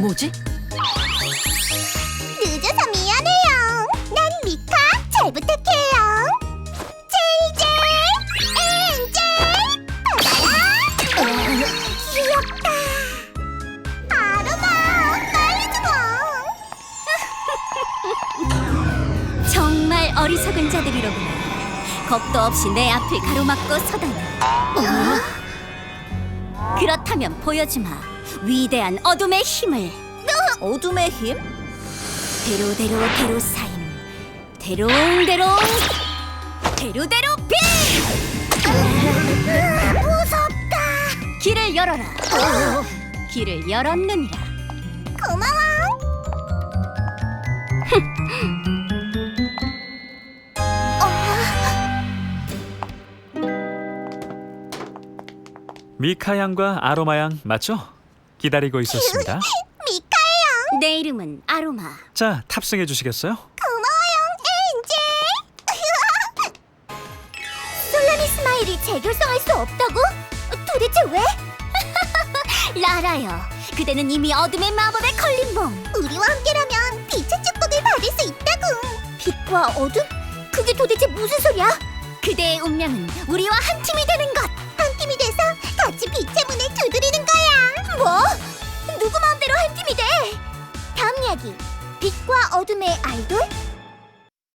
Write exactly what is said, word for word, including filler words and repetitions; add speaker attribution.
Speaker 1: 뭐지?
Speaker 2: 늦어서 미안해요. 난 미카. 잘 부탁해요. 제이제이, 엔제이, 받아라. 귀엽다. 아로마, 빨리 좀 와.
Speaker 3: 정말 어리석은 자들이로구나. 겁도 없이 내 앞을 가로막고 서다니. 그렇다면 보여주마. 위대한 어둠의 힘을.
Speaker 1: 어둠의 힘?
Speaker 3: 대로대로 대로사임, 대롱대롱 대로대로 빛!
Speaker 2: 무섭다.
Speaker 3: 길을 열어라. 길을 열었느니라.
Speaker 2: 고마워.
Speaker 4: 미카 양과 아로마 양 맞죠? 기다리고 있었습니다.
Speaker 2: 미카예요.
Speaker 3: 내 이름은 아로마.
Speaker 4: 자, 탑승해 주시겠어요?
Speaker 2: 고마워요, 엔제이. 솔라니 스마일이 재결성할 수 없다고? 도대체 왜?
Speaker 3: 라라요. 그대는 이미 어둠의 마법에 걸린 몸.
Speaker 2: 우리와 함께라면 빛의 축복을 받을 수 있다고. 빛과 어둠? 그게 도대체 무슨 소리야?
Speaker 3: 그대의 운명은 우리와 한 팀이 되는 것.